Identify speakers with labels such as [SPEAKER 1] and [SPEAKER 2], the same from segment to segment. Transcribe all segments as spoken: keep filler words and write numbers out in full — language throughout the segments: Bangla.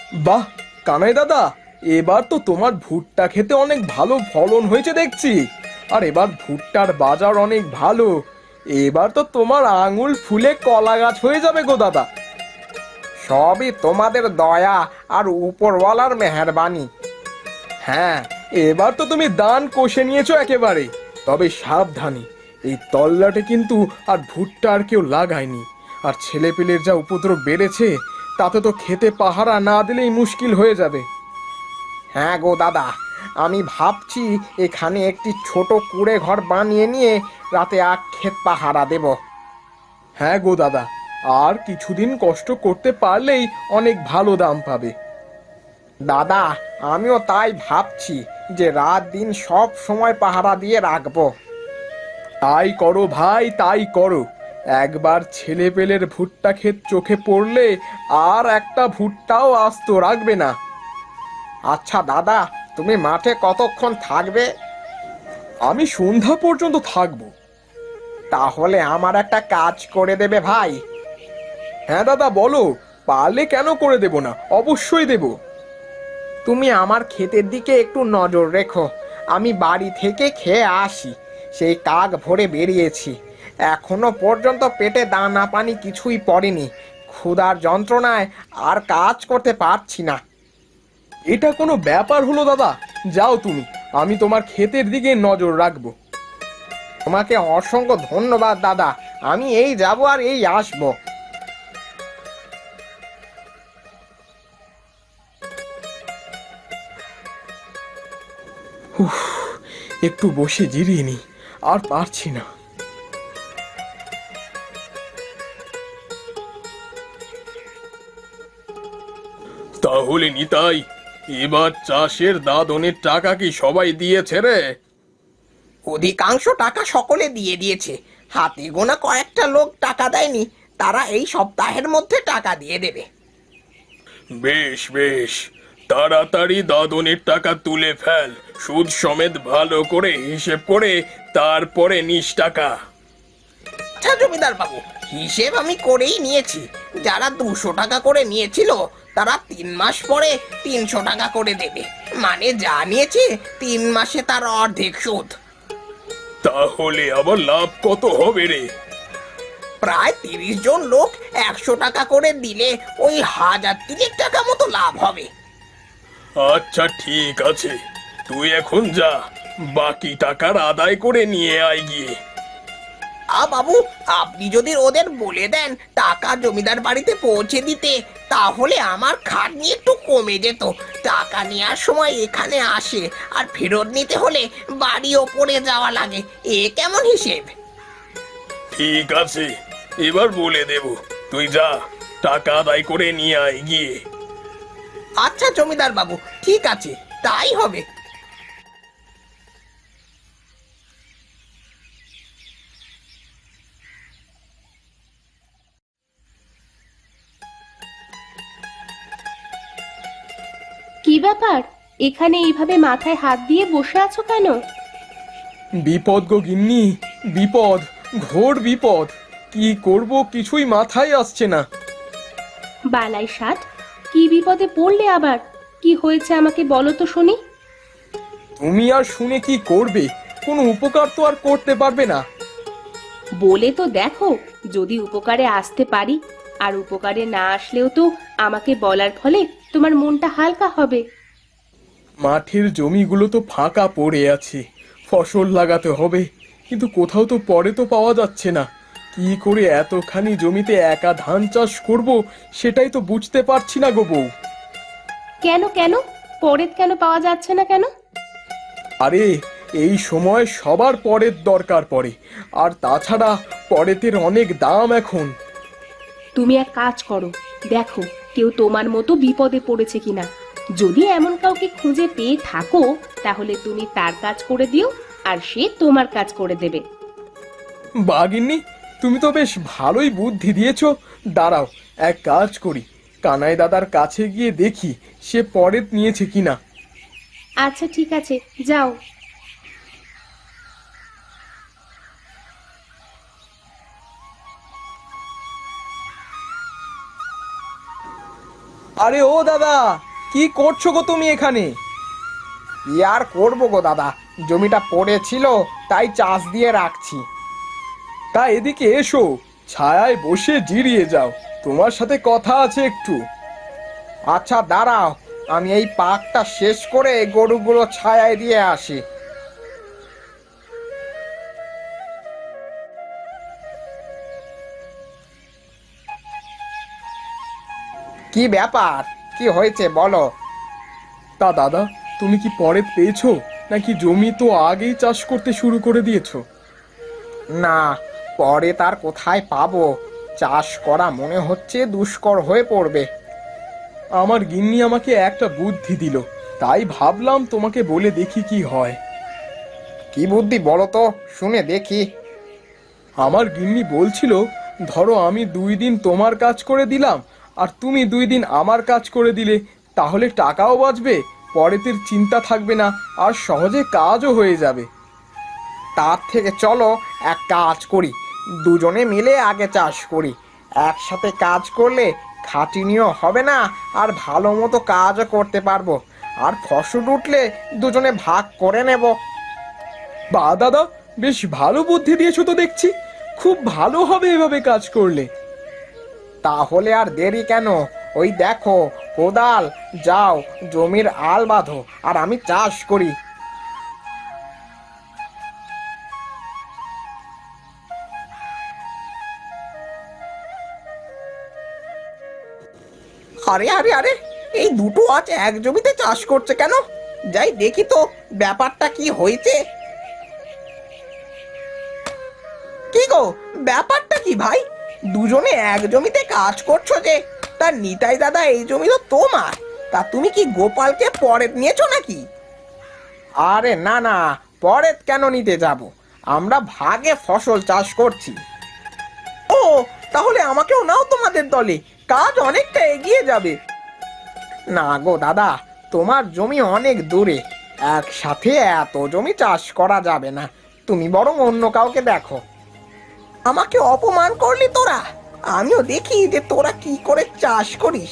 [SPEAKER 1] বাহ, কানাই দাদা, এবার তো তোমার ভুট্টা খেতে অনেক ভালো ফলন হয়েছে দেখছি। আর এবার ভুট্টার বাজার অনেক ভালো। এবার তো তোমার আঙুল ফুলে কলা গাছ হয়ে যাবে গো দাদা।
[SPEAKER 2] সবই তোমাদের দয়া আর উপরওয়ালার মেহেরবানি।
[SPEAKER 1] হ্যাঁ, এবার তো তুমি দান কষে নিয়েছো একেবারে। তবে সাবধানী, এই তল্লাটে কিন্তু আর ভুট্টা আর কেউ লাগায়নি। আর ছেলেপিলের যা উপদ্রব বেড়েছে, তাতে তো খেতে পাহারা না দিলেই মুশকিল হয়ে যাবে।
[SPEAKER 2] হ্যাঁ গো দাদা, আমি ভাবছি এখানে একটি ছোট কুঁড়ে ঘর বানিয়ে নিয়ে রাতে আখ ক্ষেত পাহারা দেব।
[SPEAKER 1] হ্যাঁ গো দাদা, আর কিছুদিন কষ্ট করতে পারলেই অনেক ভালো দাম পাবে।
[SPEAKER 2] দাদা, আমিও তাই ভাবছি যে রাত দিন সব সময় পাহারা দিয়ে রাখবো।
[SPEAKER 1] তাই করো ভাই, তাই করো। একবার ছেলে পেলের ভুট্টা ক্ষেত চোখে পড়লে আর একটা ভুট্টাও আস্ত রাখবে না।
[SPEAKER 2] আচ্ছা দাদা, তুমি মাঠে কতক্ষণ থাকবে?
[SPEAKER 1] আমি সন্ধ্যা পর্যন্ত থাকবো।
[SPEAKER 2] তাহলে আমার একটা কাজ করে দেবে ভাই?
[SPEAKER 1] হ্যাঁ দাদা, বলো। পারলে কেন করে দেব না, অবশ্যই দেব।
[SPEAKER 2] তুমি আমার ক্ষেতের দিকে একটু নজর রেখো। আমি বাড়ি থেকে খেয়ে আসি, সেই কাক ভরে বেরিয়েছি। এখনো পর্যন্ত পেটে দানা পানি কিছুই পড়েনি। ক্ষুধার যন্ত্রণায় আর কাজ করতে পারছি না।
[SPEAKER 1] এটা কোনো ব্যাপার হলো দাদা? যাও তুমি, আমি তোমার ক্ষেতের দিকে নজর রাখবো।
[SPEAKER 2] তোমাকে অসংখ্য ধন্যবাদ দাদা। আমি এই যাব আর এই আসবো।
[SPEAKER 1] উফ, একটু বসে জিরিয়ে নি, আর পারছি না। তাহলে নিতাই, এবার চাষের দাদনের টাকা কি সবাই দিয়েছে রে?
[SPEAKER 2] অধিকাংশ টাকা সকলে দিয়ে দিয়েছে। হাতে গোনা কয়েকটা লোক টাকা দেয়নি, তারা এই সপ্তাহের মধ্যে টাকা দিয়ে দেবে।
[SPEAKER 1] বেশ বেশ, তাড়াতাড়ি দাদনের টাকা তুলে ফেল। সুদ সমেত ভালো করে হিসেব করে তারপরে নিস টাকা।
[SPEAKER 2] আচ্ছা জমিদার বাবু, হিসেব আমি করেই নিয়েছি। যারা দুশো টাকা করে নিয়েছিল তারা তিন মাস পরে তিনশো টাকা করে দেবে। মানে যা নিয়েছে তিন মাসে তার অর্ধেক সুদ।
[SPEAKER 1] তাহলে আবার লাভ কত হবে রে?
[SPEAKER 2] প্রায় তিরিশ জন লোক একশো টাকা করে দিলে ওই হাজার তিরিশ টাকা মতো লাভ হবে।
[SPEAKER 1] আচ্ছা ঠিক আছে, তুই এখন যা, বাকি টাকার আদায় করে নিয়ে আয় গিয়ে।
[SPEAKER 2] আ বাবু, আপনি যদি ওদের বলে দেন টাকা জমিদার বাড়িতে পৌঁছে দিতে, তাহলে আমার খাটনি একটু কমে যেত। টাকা নেওয়ার সময় এখানে আসে, আর ফেরত নিতে হলে বাড়ি ওপরে যাওয়া লাগে। এ কেমন হিসেব?
[SPEAKER 1] ঠিক আছে, এবার বলে দেব, তুই যা, টাকা আদায় করে নিয়ে আয় গিয়ে।
[SPEAKER 2] আচ্ছা জমিদার বাবু, ঠিক আছে, তাই হবে।
[SPEAKER 3] কি ব্যাপার? এখানে এইভাবে মাথায় হাত দিয়ে বসে আছো কেন?
[SPEAKER 1] বিপদ গো গিন্নি, বিপদ, ঘোর বিপদ। কি করব কিছুই মাথায় আসছে না।
[SPEAKER 3] বালাই ষাট, কি বিপদে পড়লে আবার? কি হয়েছে আমাকে বলো তো শুনি।
[SPEAKER 1] তুমি আর শুনে কি করবে? কোনো উপকার তো আর করতে পারবে না।
[SPEAKER 3] বলে তো দেখো, যদি উপকারে আসতে পারি। আর উপকারে না আসলেও তো আমাকে বলার ফলে তোমার মনটা হালকা হবে।
[SPEAKER 1] মাঠের জমিগুলো তো ফাঁকা পড়ে আছে, ফসল লাগাতে হবে, কিন্তু কোথাও তো পরে তো পাওয়া যাচ্ছে না। কি করে এতখানি জমিতে একা ধান চাষ করব, সেটাই তো বুঝতে পারছি না গো বউ।
[SPEAKER 3] কেন কেন পরে কেন পাওয়া যাচ্ছে না কেন?
[SPEAKER 1] আরে, এই সময় সবার পরের দরকার পড়ে, আর তাছাড়া পরেতের অনেক দাম এখন।
[SPEAKER 3] তুমি এক কাজ করো, দেখো কেউ তোমার মতো বিপদে পড়েছে কিনা। যদি এমন কাউকে খুঁজে পেয়ে থাকো, তাহলে তুমি তার কাজ করে দিও, আর সে তোমার কাজ করে দেবে।
[SPEAKER 1] বাগিন্নি, তুমি তো বেশ ভালোই বুদ্ধি দিয়েছো। দাঁড়াও, এক কাজ করি, কানাই দাদার কাছে গিয়ে দেখি সে পরেত নিয়েছে কিনা।
[SPEAKER 3] আচ্ছা ঠিক আছে, যাও।
[SPEAKER 1] আরে ও দাদা, কি করছো গো তুমি এখানে?
[SPEAKER 2] কি আর করবো গো দাদা, জমিটা পড়েছিল তাই চাষ দিয়ে রাখছি।
[SPEAKER 1] তা এদিকে এসো, ছায়ায় বসে জিরিয়ে যাও, তোমার সাথে কথা আছে একটু।
[SPEAKER 2] আচ্ছা দাঁড়াও, আমি এই পাকটা শেষ করে গরুগুলো ছায়ায় দিয়ে আসি। কি ব্যাপার, কি হয়েছে বলো?
[SPEAKER 1] তা দাদা, তুমি কি পরে পেয়েছো, নাকি জমি তো আগেই চাষ করতে শুরু করে দিয়েছো?
[SPEAKER 2] না, পরে তার কোথায় পাবো, চাষ করা মনে হচ্ছে দুষ্কর হয়ে পড়বে।
[SPEAKER 1] আমার গিন্নি আমাকে একটা বুদ্ধি দিল, তাই ভাবলাম তোমাকে বলে দেখি কি হয়।
[SPEAKER 2] কি বুদ্ধি বলো তো, শুনে দেখি।
[SPEAKER 1] আমার গিন্নি বলছিল, ধরো আমি দুই দিন তোমার কাজ করে দিলাম আর তুমি দুই দিন আমার কাজ করে দিলে, তাহলে টাকাও বাঁচবে, পরেতের চিন্তা থাকবে না, আর সহজে কাজও হয়ে যাবে।
[SPEAKER 2] তার থেকে চলো এক কাজ করি, দুজনে মিলে আগে চাষ করি। একসাথে কাজ করলে খাটুনিও হবে না, আর ভালো মতো কাজও করতে পারবো, আর ফসল উঠলে দুজনে ভাগ করে নেব।
[SPEAKER 1] বা দাদা, বেশ ভালো বুদ্ধি দিয়েছো তো দেখছি, খুব ভালো হবে এভাবে কাজ করলে।
[SPEAKER 2] তাহলে আর দেরি কেন, ওই দেখো কোদাল, যাও জমির আল বাঁধো আর আমি চাষ করি। আরে আরে আরে, এই দুটো আজ এক জমিতে চাষ করছে কেন? যাই দেখি তো ব্যাপারটা কি হয়েছে। কি গো, ব্যাপারটা কি ভাই? দুজনে এক জমিতে কাজ করছো যে, তার নিতাই দাদা এই জমি তো তোমার, তা তুমি কি গোপালকে পরে নিয়েছো নাকি? আরে না না, পরে কেন নিতে যাব, আমরা ভাগে ফসল চাষ করছি। ও, তাহলে আমাকেও নাও তোমাদের দলে, কাজ অনেকটা এগিয়ে যাবে। না গো দাদা, তোমার জমি অনেক দূরে, একসাথে এত জমি চাষ করা যাবে না, তুমি বরং অন্য কাউকে দেখো। আমাকে অপমান করলি তোরা, আমিও দেখি যে তোরা কি করে চাষ করিস।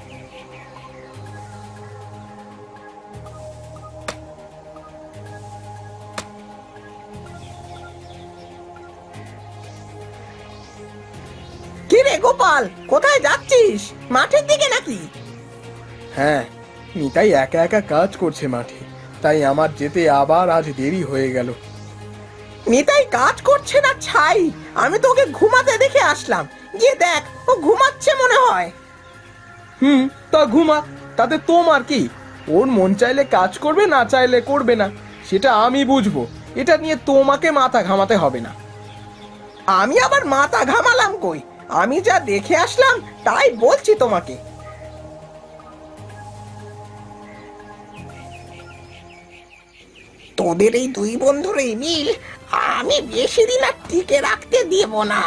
[SPEAKER 2] কি রে গোপাল, কোথায় যাচ্ছিস? মাঠের দিকে নাকি?
[SPEAKER 1] হ্যাঁ, নিতাই একা একা কাজ করছে মাঠে, তাই আমার যেতে আবার আজ দেরি হয়ে গেল।
[SPEAKER 2] নিতাই কাজ করছে না ছাই, আমি তোকে ঘুমাতে দেখে আসলাম, গিয়ে দেখ ও ঘুমাচ্ছে মনে হয়।
[SPEAKER 1] হুম, তা ঘুমা, তাতে তোমার কি? ওর মন চাইলে কাজ করবে, না চাইলে করবে না, সেটা আমি বুঝবো, এটা নিয়ে তোমাকে মাথা ঘামাতে হবে না।
[SPEAKER 2] আমি আবার মাথা ঘামালাম কই, আমি যা দেখে আসলাম তাই বলছি তোমাকে। তোদের এই দুই বন্ধুর এই মিল আমি বেশি দিন আর টিকে রাখতে দেব না।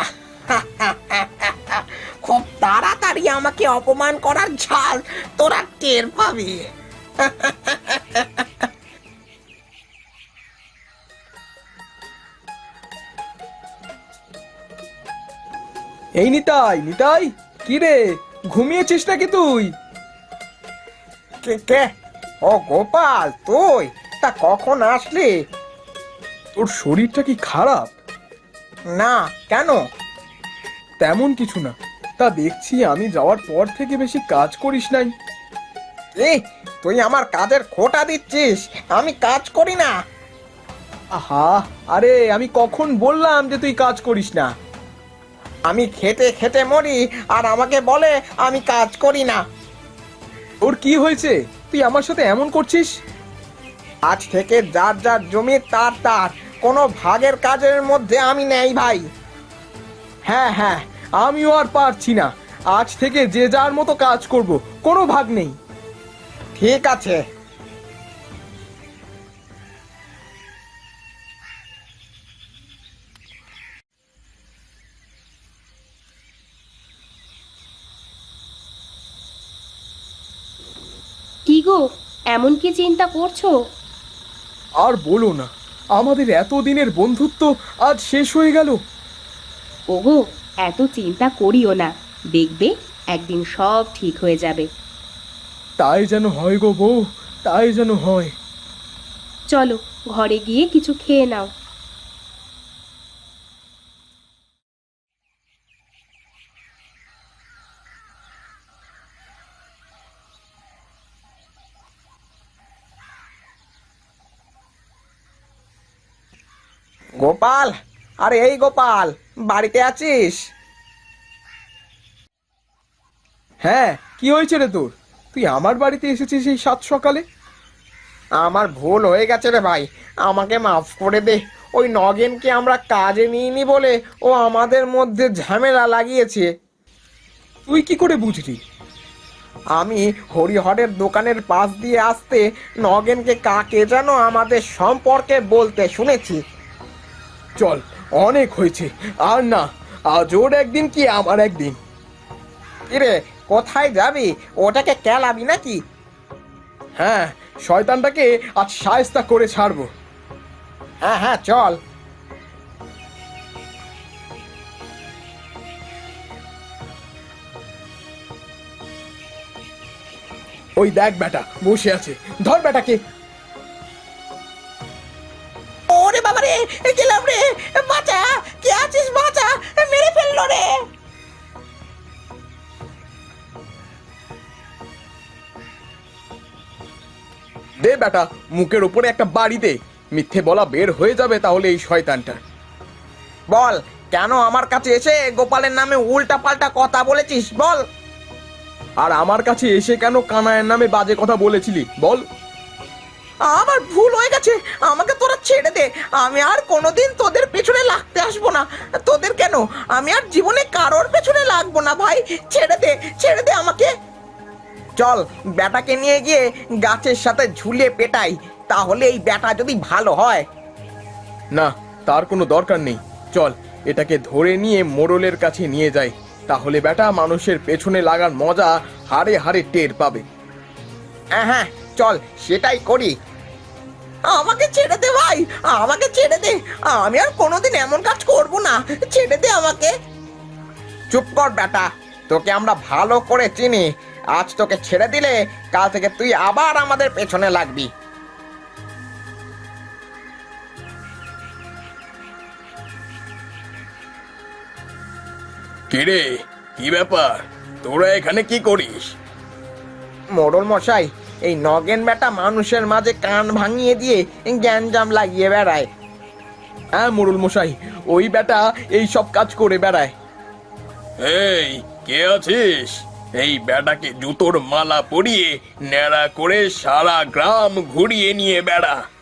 [SPEAKER 2] খুব তাড়াতাড়ি আমাকে অপমান করার ঝাল তোরা টের পাবি।
[SPEAKER 1] এই নিতাই, নিতাই, কি রে, ঘুমিয়েছিস নাকি তুই?
[SPEAKER 2] কে কে? ও গোপাল, তুই? তা কখন আসলি?
[SPEAKER 1] তোর শরীরটা কি খারাপ?
[SPEAKER 2] না, কেন?
[SPEAKER 1] তেমন কিছু না, তা দেখছি আমি যাওয়ার পর থেকে বেশি কাজ করিস নাই।
[SPEAKER 2] এই, তুই আমার কাজের খোঁটা দিচ্ছিস, আমি কাজ করি না।
[SPEAKER 1] আহা, আরে আমি কখন বললাম যে তুই কাজ করিস না?
[SPEAKER 2] আমি খেটে খেটে মরি আর আমাকে বলে আমি কাজ করি না।
[SPEAKER 1] ওর কি হয়েছে, তুই আমার সাথে এমন করছিস?
[SPEAKER 2] আজ থেকে যার যার জমি তার তার, কোনো ভাগের কাজের মধ্যে আমি নেই ভাই।
[SPEAKER 1] হ্যাঁ হ্যাঁ, আমিও আর পারছি না, আজ থেকে যে যার মতো কাজ করব, কোনো ভাগ নেই।
[SPEAKER 2] ঠিক আছে।
[SPEAKER 3] কি গো, এমন কি চিন্তা করছো?
[SPEAKER 1] আর বলো না, আমাদের এতদিনের বন্ধুত্ব আজ শেষ হয়ে গেল।
[SPEAKER 3] ওগো, এত চিন্তা করিও না, দেখবে একদিন সব ঠিক হয়ে যাবে।
[SPEAKER 1] তাই যেন হয় গো বউ, তাই যেন হয়।
[SPEAKER 3] চলো ঘরে গিয়ে কিছু খেয়ে নাও।
[SPEAKER 2] গোপাল, আরে এই গোপাল, বাড়িতে আছিস?
[SPEAKER 1] হ্যাঁ, কি হয়েছে রে তোর? তুই আমার বাড়িতে এসেছিস এই সাত সকালে?
[SPEAKER 2] আমার ভুল হয়ে গেছে রে ভাই, আমাকে মাফ করে দে। ওই নগেনকে আমরা কাজে নিইনি বলে ও আমাদের মধ্যে ঝামেলা লাগিয়েছে।
[SPEAKER 1] তুই কি করে বুঝলি?
[SPEAKER 2] আমি হরিহরের দোকানের পাশ দিয়ে আসতে নগেনকে কাকে যেন আমাদের সম্পর্কে বলতে শুনেছি।
[SPEAKER 1] চল, অনেক হয়েছে, আর না, আজ ওর একদিন কি আমার একদিন।
[SPEAKER 2] কিরে, কোথায় যাবি? ওটাকে কেলাবি নাকি?
[SPEAKER 1] হ্যাঁ, শয়তানটাকে আজ শায়েস্তা করে ছাড়বো।
[SPEAKER 2] হ্যাঁ হ্যাঁ, চল।
[SPEAKER 1] ওই দেখ বেটা বসে আছে, ধর বেটাকে।
[SPEAKER 2] ওরে বাবা রে, গেলাম রে, বাঁচা, কে আছিস? বাঁচা, মেরে ফেললো রে।
[SPEAKER 1] দে বেটা, মুখের উপরে একটা বাড়ি দে, মিথ্যে বলা বের হয়ে যাবে তাহলে এই শয়তানটা।
[SPEAKER 2] বল, কেন আমার কাছে এসে গোপালের নামে উল্টা পাল্টা কথা বলেছিস? বল।
[SPEAKER 1] আর আমার কাছে এসে কেন কানায়ের নামে বাজে কথা বলেছিলি বল?
[SPEAKER 2] আমার ভুল হয়ে গেছে, আমাকে তোরা ছেড়ে দে। আমি আর কোনোদিন তোদের পেছনে লাগতে আসবো না। তোদের কেন, আমি আর জীবনে কারোর পেছনে লাগবো না ভাই। ছেড়ে দে, ছেড়ে দে আমাকে। চল, ব্যাটাকে নিয়ে গিয়ে গাছের সাথে ঝুলিয়ে পেটাই, তাহলে এই ব্যাটা যদি ভালো হয়।
[SPEAKER 1] না, তার কোনো দরকার নেই। চল, এটাকে ধরে নিয়ে মোড়লের কাছে নিয়ে যাই, তাহলে বেটা মানুষের পেছনে লাগার মজা হাড়ে হাড়ে টের পাবে।
[SPEAKER 2] হ্যাঁ হ্যাঁ, চল সেটাই করি। আমাকে ছেড়ে দে ভাই, আমাকে ছেড়ে দে। আমি আর কোনোদিন এমন কাজ করব না। ছেড়ে দে আমাকে। চুপ কর বেটা, তোকে আমরা ভালো করে চিনি। আজ তোকে ছেড়ে দিলে কাল থেকে তুই আবার আমাদের পেছনে লাগবি।
[SPEAKER 1] কিরে, কি ব্যাপার? তোরা এখানে কি করিস?
[SPEAKER 2] মোড়ল মশাই, এই নগেন বেটা মানুষের মাঝে কান ভাঙিয়ে দিয়ে গ্যাঞ্জাম লাগিয়ে বেড়ায়।
[SPEAKER 1] হ্যাঁ মোড়ল মশাই, ওই বেটা এই সব কাজ করে বেড়ায়। এই, কে আছিস? এই বেটাকে জুতোর মালা পরিয়ে ন্যাড়া করে সারা গ্রাম ঘুরিয়ে নিয়ে বেড়া।